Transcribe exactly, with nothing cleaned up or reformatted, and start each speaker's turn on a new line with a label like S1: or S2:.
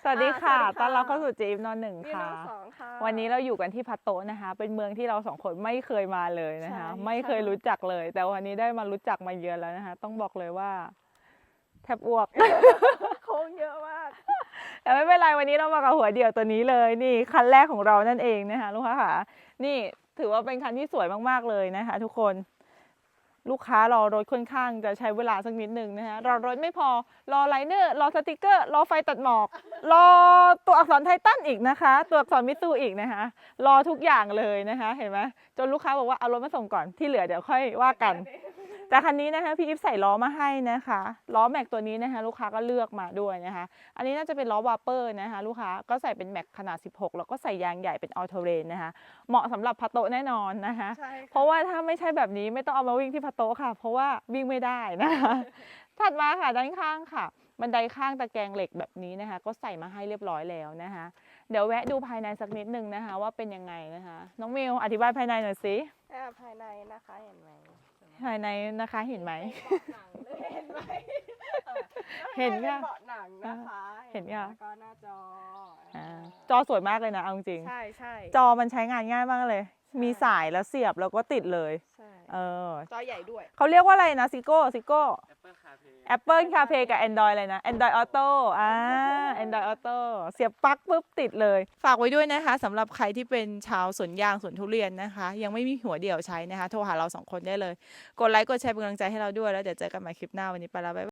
S1: สวัสดีค่ะ
S2: อ่าสวัสดีค่ะ
S1: ต้อนรับเข้าสู่จีฟนอนหนึ่ง
S2: พี่น้
S1: ค่ะ
S2: องสองค่ะ
S1: วันนี้เราอยู่กันที่พัตโตะนะคะ เป็นเมืองที่เราสองคนไม่เคยมาเลยนะคะ
S2: ใช่
S1: ไม่เคยรู้จักเลย แต่วันนี้ได้มารู้จักมาเยือนแล้วนะคะ ต้องบอกเลยว่าแทบอ้วก
S2: โค้งเยอะมาก
S1: แต่ไม่เป็นไรวันนี้เรามากับหัวเดี่ยวตัวนี้เลย นี่คันแรกของเรานั่นเองนะคะลูกค้าค่ะ นี่ถือว่าเป็นคันที่สวยมากๆเลยนะคะ ทุกคน ลูกค้ารอรถค่อนข้างจะใช้เวลาสักนิดหนึ่งนะคะรอรถไม่พอรอไลเนอร์รอสติกเกอร์รอไฟตัดหมอกรอตัวอักษรไททันอีกนะคะ ตัวอักษรมิตซูอีกนะคะ รอทุกอย่างเลยนะคะ เห็นไหมจนลูกค้าบอกว่าเอารถมาส่งก่อนที่เหลือเดี๋ยวค่อยว่ากันแต่คันนี้นะคะพี่อิฟใส่ล้อมาให้นะคะล้อแม็กตัวนี้นะคะลูกค้าก็เลือกมาด้วยนะคะ อันนี้น่าจะเป็นล้อวาเปอร์นะคะลูกค้าก็ใส่เป็นแม็กขนาดสิบหกแล้วก็ใส่ยางใหญ่เป็นออโตเรนนะคะเหมาะสำหรับพัตโตะแน่นอนนะคะ
S2: ใช่ค่ะ
S1: เพราะว่าถ้าไม่ใช่แบบนี้ไม่ต้องเอามาวิ่งที่พัตโตะค่ะ เพราะว่าวิ่งไม่ได้นะคะ ถัดมาค่ะด้านข้างค่ะ บันไดข้างตะแกรงเหล็กแบบนี้นะคะ ก็ใส่มาให้เรียบร้อยแล้วนะคะ เดี๋ยวแวะดูภายในสักนิดนึงนะคะ ว่าเป็นยังไงนะคะ น้องมิวอธิบายภายในหน่อยสิ
S2: อ่าภายในนะคะเห็นไหม
S1: ภายในนะคะเห็นไหม
S2: เบาะหนังเลยเห็นไหมออ
S1: เห็น
S2: ข้าง
S1: ค่ะ
S2: ใเป็นเบาะหนังนะคะ
S1: เห็นค่ะ
S2: แล้วก็หน้าจอ
S1: อ่า
S2: อ่า
S1: จอสวยมากเลยนะเอาจริง
S2: ใช่ใช่
S1: จอมันใช้งานง่ายมากเลย มีสายแล้วเสียบแล้วก็ติดเลย
S2: ใช่
S1: เออ
S2: จอใหญ่ด้วย
S1: เขาเรียกว่าอะไรนะซิโก้ซิโก้
S3: Apple CarPlay
S1: Apple CarPlay กับ Android อะไรนะ Android Auto อ่า Android Auto เสียบปลั๊กปุ๊บติดเลย ฝากไว้ด้วยนะคะสำหรับใครที่เป็นชาวสวนยางสวนทุเรียนนะคะ ยังไม่มีหัวเดี่ยวใช้นะคะ โทรหาเราสองคนได้เลย กดไลค์กดแชร์เป็นกำลังใจให้เราด้วยแล้วเดี๋ยวเจอกันใหม่คลิปหน้าวันนี้ไปแล้วบ๊ายบาย